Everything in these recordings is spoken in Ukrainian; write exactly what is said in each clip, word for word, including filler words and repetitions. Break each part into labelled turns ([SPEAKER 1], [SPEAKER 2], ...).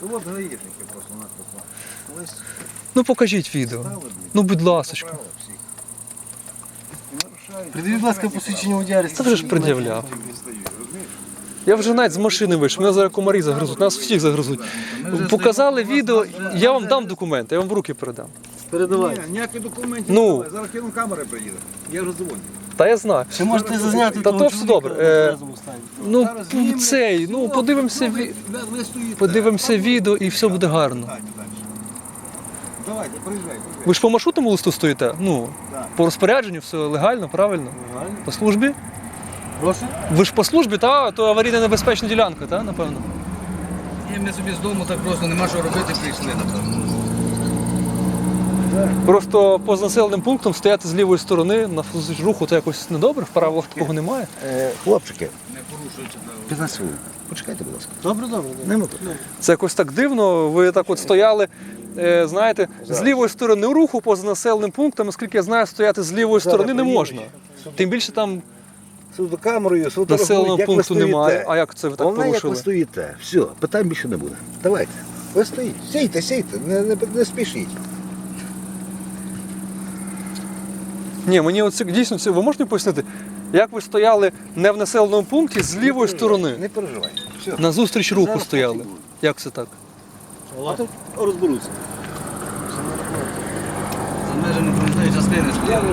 [SPEAKER 1] От гаїшники просто нас послали.
[SPEAKER 2] Ну покажіть відео. Ну будь ласочка.
[SPEAKER 3] Придивіть, будь ласка, посвідчення водія.
[SPEAKER 2] Це вже ж пред'являв. Я вже навіть з машини вийшов, мене зараз комарі загризуть, нас всіх загризуть. Показали відео, я вам дам документи, я вам в руки передам.
[SPEAKER 3] Передавай.
[SPEAKER 1] Ні, ніяких документів
[SPEAKER 2] Ну.
[SPEAKER 1] немає. Зараз кину камери приїде. Я вже дзвоню.
[SPEAKER 2] Та я знаю.
[SPEAKER 3] Чи можете зазняти
[SPEAKER 2] Та
[SPEAKER 3] того
[SPEAKER 2] то все
[SPEAKER 3] чоловіка
[SPEAKER 2] добре.
[SPEAKER 3] в
[SPEAKER 2] Е,
[SPEAKER 3] тверезому стані?
[SPEAKER 2] Ну
[SPEAKER 1] Зараз знімемо.
[SPEAKER 2] цей, ну подивимося,
[SPEAKER 1] ви,
[SPEAKER 2] ві-
[SPEAKER 1] ви, ви стоїте.
[SPEAKER 2] подивимося відео і все буде гарно.
[SPEAKER 1] Далі, далі. Давайте, приїжджай, приїжджай.
[SPEAKER 2] Ви ж по маршрутному листу стоїте? Ну,
[SPEAKER 1] Так.
[SPEAKER 2] по розпорядженню все легально, правильно?
[SPEAKER 3] Нормально.
[SPEAKER 2] По службі?
[SPEAKER 3] Прошу?
[SPEAKER 2] Ви ж по службі, та? То аварійна небезпечна ділянка, та, напевно?
[SPEAKER 4] Ні, ми собі з дому так просто нема що робити, прийшли, напевно.
[SPEAKER 2] Просто поза населеним пунктом стояти з лівої сторони на руху, то якось недобре, в правилах такого немає.
[SPEAKER 1] Е, хлопчики,
[SPEAKER 4] Не порушується право.
[SPEAKER 1] п'ятнадцять хвилин. Почекайте, будь ласка.
[SPEAKER 3] Добре, добре. добре.
[SPEAKER 1] Не мотор.
[SPEAKER 2] Це якось так дивно, ви так от стояли, е, знаєте, з лівої сторони руху поза населеним пунктом, оскільки я знаю, стояти з лівої сторони не можна. Тим більше там
[SPEAKER 1] Судокамерою,
[SPEAKER 2] населеного
[SPEAKER 1] фотографують, як ви
[SPEAKER 2] пункту немає. А
[SPEAKER 1] стоїте.
[SPEAKER 2] як це ви так
[SPEAKER 1] Головне, як ви
[SPEAKER 2] порушили?
[SPEAKER 1] стоїте. Все, питань більше не буде. Давайте. Ви стоїть. Сійте, сійте, не, не, не спішіть.
[SPEAKER 2] Ні, мені оце дійсно це ви можете пояснити, як ви стояли не в населеному пункті з лівої сторони,
[SPEAKER 1] Не переживайте. Все.
[SPEAKER 2] на зустріч руху
[SPEAKER 1] Зараз
[SPEAKER 2] стояли.
[SPEAKER 1] пофігу.
[SPEAKER 2] Як це так?
[SPEAKER 1] А тут розберуться.
[SPEAKER 4] За межами проїзної частини стояли.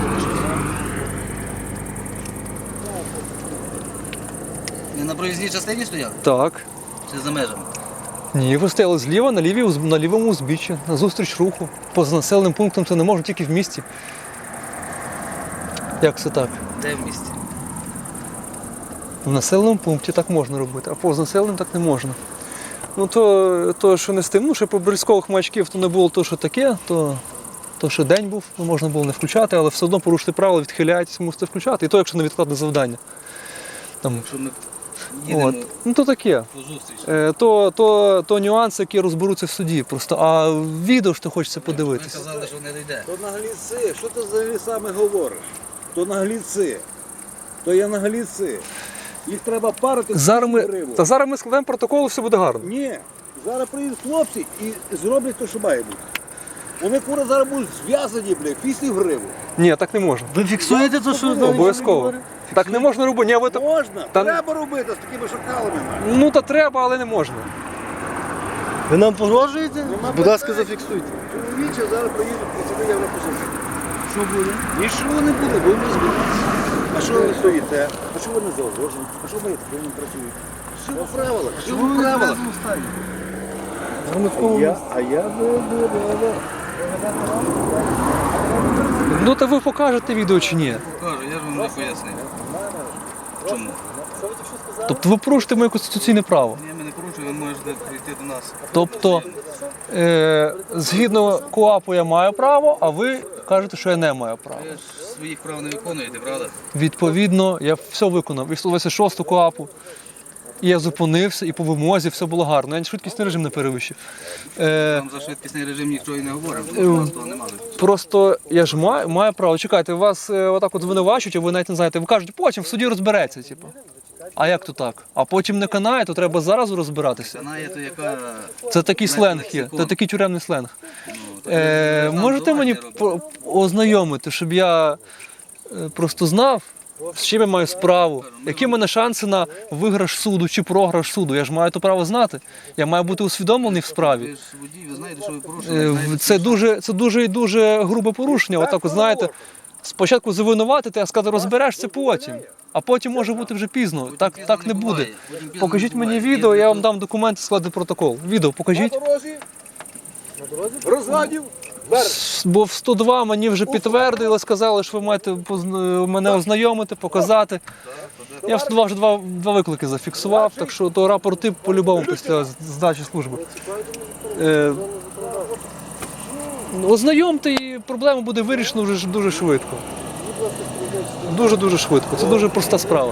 [SPEAKER 4] Не на проїзній частині стояли?
[SPEAKER 2] Так.
[SPEAKER 4] Чи за межами?
[SPEAKER 2] Ні, ви стояли зліва на, лівій, уз- на лівому узбіччі, на зустріч руху. Поза населеним пунктом це не можна, тільки в місті. Як це так?
[SPEAKER 4] Де в місті?
[SPEAKER 2] В населеному пункті так можна робити, а поза населеним так не можна. Ну то, то що не з тим, ну що по бризкових маячків то не було то, що таке, то, то що день був, ну, можна було не включати, але все одно порушити правила, відхиляєтесь, мусите включати. І то, якщо невідкладне завдання. Там,
[SPEAKER 4] Якщо ми їдемо
[SPEAKER 2] от. Ну то таке.
[SPEAKER 4] по зустрічі.
[SPEAKER 2] Е, То, то, то нюанси, які розберуться в суді. Просто, а відео ж то хочеться
[SPEAKER 4] Ви
[SPEAKER 2] подивитися.
[SPEAKER 4] казали, що не дійде.
[SPEAKER 1] То нагліці, що ти взагалі саме говориш? То нагліці. То є нагліці. Їх треба парити в
[SPEAKER 2] Зараз ми,
[SPEAKER 1] гриву.
[SPEAKER 2] та зараз ми складемо протокол, і все буде гарно.
[SPEAKER 1] Ні, зараз приїдуть хлопці і зроблять те, що має бути. Вони кура зараз будуть зв'язані, бля, пісні в гриву.
[SPEAKER 2] Ні, так не можна.
[SPEAKER 3] Ви фіксуєте те, що Даний
[SPEAKER 2] Обов'язково.
[SPEAKER 3] говорить?
[SPEAKER 2] Так не можна робити. Ні, ви так-
[SPEAKER 1] Можна,
[SPEAKER 2] Та-
[SPEAKER 1] треба робити з такими шакалами.
[SPEAKER 2] Ну та треба, але не можна.
[SPEAKER 3] Ви нам погрожуєте?
[SPEAKER 1] Нема
[SPEAKER 3] Будь ласка,
[SPEAKER 1] питань.
[SPEAKER 3] зафіксуйте.
[SPEAKER 1] Чоловіче, зараз приїдуть працівники Європосольства.
[SPEAKER 3] Що буде?
[SPEAKER 1] Нічого не буде, будемо розбиратися. А що ви стоїте? А що ви не заогрожуєте? А що ви таке не працюєте? Все по правилах, все
[SPEAKER 3] Чому
[SPEAKER 1] по
[SPEAKER 3] ви в
[SPEAKER 1] правилах.
[SPEAKER 3] тверезому стані? В
[SPEAKER 1] А
[SPEAKER 3] громадському
[SPEAKER 1] я,
[SPEAKER 3] місці.
[SPEAKER 1] а я буду,
[SPEAKER 2] Ну та ви покажете відео чи ні?
[SPEAKER 4] Покажу, я ж вам не пояснив. Чому?
[SPEAKER 2] Тобто ви порушите моє конституційне право.
[SPEAKER 4] Ні, ми не порушуємо, ви можете прийти до нас.
[SPEAKER 2] Тобто, е, згідно КУАПу я маю право, а ви кажете, що я не маю права.
[SPEAKER 4] Ви ж своїх прав не виконуєте, правда?
[SPEAKER 2] Відповідно, я все виконав. І сто двадцять шосту КУАПу. І я зупинився, і по вимозі все було гарно. Я швидкісний режим не перевищив. Е,
[SPEAKER 4] Там за швидкісний режим нічого і не говоримо,
[SPEAKER 2] Е,
[SPEAKER 4] тому що у нас того немає.
[SPEAKER 2] Просто я ж маю, маю право. Чекайте, вас е, отак от звинувачують, а ви навіть не знаєте. Ви кажете, потім в суді розбереться. Типу. А як то так? А потім не канає, то треба зараз розбиратися.
[SPEAKER 4] Канає то яка...
[SPEAKER 2] Це такий сленг є, це такий тюремний сленг. Е, можете мені по- ознайомити, щоб я е, просто знав, з чим я маю справу, які в мене шанси на виграш суду чи програш суду. Я ж маю то право знати. Я маю бути усвідомлений в
[SPEAKER 4] Ви
[SPEAKER 2] справі.
[SPEAKER 4] ж водій, ви знаєте, що ви
[SPEAKER 2] Е,
[SPEAKER 4] порушили.
[SPEAKER 2] в-
[SPEAKER 4] знаєте,
[SPEAKER 2] Це дуже, це дуже і дуже грубе порушення. Отак, от, знаєте, спочатку завинуватити, а сказати, розберешся потім. А потім може бути вже пізно.
[SPEAKER 4] потім
[SPEAKER 2] Так,
[SPEAKER 4] пізно
[SPEAKER 2] так не
[SPEAKER 4] буває,
[SPEAKER 2] буде.
[SPEAKER 4] потім пізно
[SPEAKER 2] Покажіть
[SPEAKER 4] не
[SPEAKER 2] мені
[SPEAKER 4] буває.
[SPEAKER 2] відео,
[SPEAKER 4] Є
[SPEAKER 2] я вам
[SPEAKER 4] тут-
[SPEAKER 2] дам документи, складу протокол. Відео покажіть.
[SPEAKER 1] На дорозі? Розгадів? Берег.
[SPEAKER 2] Бо в сто два мені вже підтвердили, сказали, що ви маєте позна- мене ознайомити, показати. Я в сто два вже два, два виклики зафіксував, так що то рапорти по-любому після здачі служби. Е, ознайомте і проблема буде вирішена вже ж дуже швидко. Дуже-дуже швидко. Це дуже проста справа.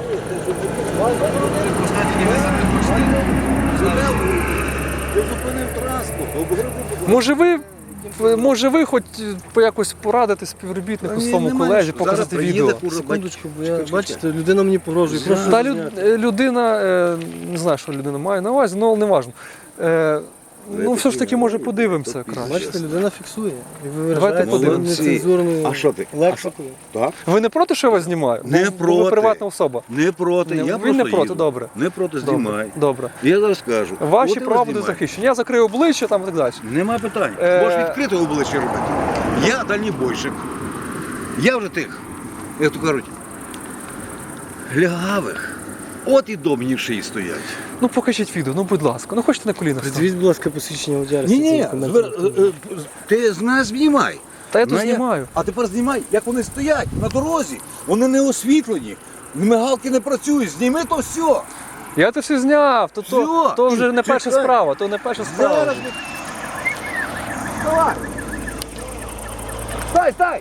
[SPEAKER 1] Ти зупинив транспорт, обгребли.
[SPEAKER 2] Може ви, може ви хоч по якось порадити співробітнику своєму колезі, показати відео?
[SPEAKER 3] Секундочку, бо я, бачите, людина мені погрожує. Прошу
[SPEAKER 2] Та
[SPEAKER 3] зняти.
[SPEAKER 2] люд, людина, е, не знаю, що людина має на увазі, але не важливо. Е, Ну, все ж таки, може, подивимося краще.
[SPEAKER 3] Бачите, людина фіксує. І ви
[SPEAKER 2] Давайте
[SPEAKER 3] виражаєте
[SPEAKER 2] подивимося.
[SPEAKER 3] нецензурною
[SPEAKER 1] А що ти?
[SPEAKER 3] лексикою.
[SPEAKER 1] Так?
[SPEAKER 2] Ви не проти, що я вас знімаю?
[SPEAKER 1] Не
[SPEAKER 2] Ви-
[SPEAKER 1] проти.
[SPEAKER 2] Ви приватна особа.
[SPEAKER 1] Не проти.
[SPEAKER 2] Не-
[SPEAKER 1] я
[SPEAKER 2] він
[SPEAKER 1] просто
[SPEAKER 2] не проти,
[SPEAKER 1] їду.
[SPEAKER 2] добре.
[SPEAKER 1] Не проти,
[SPEAKER 2] Добре.
[SPEAKER 1] знімай.
[SPEAKER 2] Добре.
[SPEAKER 1] Я зараз скажу.
[SPEAKER 2] Ваші
[SPEAKER 1] От і
[SPEAKER 2] права
[SPEAKER 1] ви
[SPEAKER 2] будуть
[SPEAKER 1] знімайте.
[SPEAKER 2] захищені. Я закрию обличчя там і так далі.
[SPEAKER 1] Нема питань.
[SPEAKER 2] Е,
[SPEAKER 1] Можеш відкрити обличчя робити. Я дальнібойщик. Я вже тих, як то кажуть, глягавих. От і до мені в шиї стоять.
[SPEAKER 2] Ну покажіть відео, ну будь ласка. Ну хочете на колінах стати?
[SPEAKER 3] Придивіть, будь ласка, посвідчення водія.
[SPEAKER 1] Ні, ні, ти з нас знімай.
[SPEAKER 2] Та я тут
[SPEAKER 1] Ну,
[SPEAKER 2] знімаю.
[SPEAKER 1] А тепер знімай, як вони стоять на дорозі. Вони не освітлені. Мигалки не працюють. Зніми то все.
[SPEAKER 2] Я це все зняв, то, то,
[SPEAKER 1] Всьо,
[SPEAKER 2] то вже не перша
[SPEAKER 1] чекай.
[SPEAKER 2] справа, то не перша справа.
[SPEAKER 1] Зараз. ми- Давай. Стай, стай.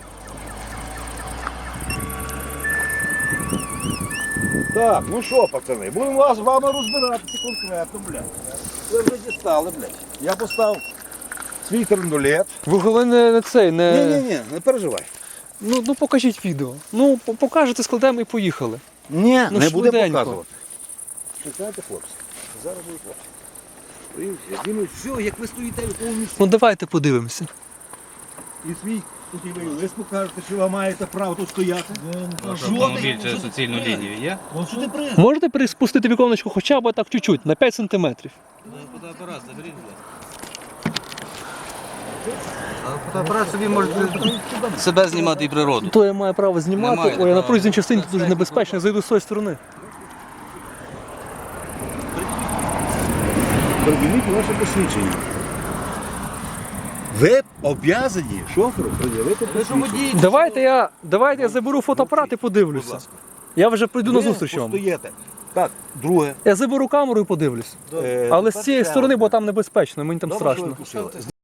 [SPEAKER 1] Так, ну що, пацани, будемо вас з вами розбиратися конкретно, блядь. Ви вже дістали, блядь. Я поставив свій трендулет.
[SPEAKER 2] Ви головне не, не цей, не.
[SPEAKER 1] Ні-ні-ні, не переживай.
[SPEAKER 2] Ну, ну покажіть відео. Ну, по- покажете, складемо і поїхали.
[SPEAKER 1] Ні,
[SPEAKER 2] Ну,
[SPEAKER 1] не буде
[SPEAKER 2] швиденько.
[SPEAKER 1] показувати. Чекайте, хлопці. Зараз буде хлопці. Дивіться, знімуть все, як ви стоїте в якому місці.
[SPEAKER 2] Ну давайте подивимося.
[SPEAKER 1] І свій путівий лист покажете, що ви маєте право тут стояти.
[SPEAKER 4] Ваш
[SPEAKER 1] Жодних-
[SPEAKER 4] автомобіль через суцільну лінію є?
[SPEAKER 1] От що ти при...
[SPEAKER 2] Можете приспустити віконечко хоча б так чуть-чуть, на п'ять сантиметрів.
[SPEAKER 4] Фотоапарат заберіть, фотоапарат собі може себе знімати і природу.
[SPEAKER 2] То я маю право знімати,
[SPEAKER 4] Немає
[SPEAKER 2] ой, я на
[SPEAKER 4] права.
[SPEAKER 2] проїзній частині тут дуже небезпечно, зайду з тої сторони.
[SPEAKER 1] Приділіть ваше посвідчення. Ви обов'язані шоферу пред'явити посвідчення.
[SPEAKER 2] Давайте я, давайте я заберу фотоапарат і
[SPEAKER 1] Будь
[SPEAKER 2] подивлюся.
[SPEAKER 1] ласка.
[SPEAKER 2] Я вже прийду на
[SPEAKER 1] Ви
[SPEAKER 2] зустріч вам.
[SPEAKER 1] постоїте. Так, друге.
[SPEAKER 2] Я заберу камеру і подивлюсь.
[SPEAKER 1] Е,
[SPEAKER 2] Але з
[SPEAKER 1] тепер
[SPEAKER 2] цієї
[SPEAKER 1] ще
[SPEAKER 2] сторони,
[SPEAKER 1] одне.
[SPEAKER 2] бо там небезпечно, мені там
[SPEAKER 1] Добре, що ви
[SPEAKER 2] страшно.
[SPEAKER 1] пустили.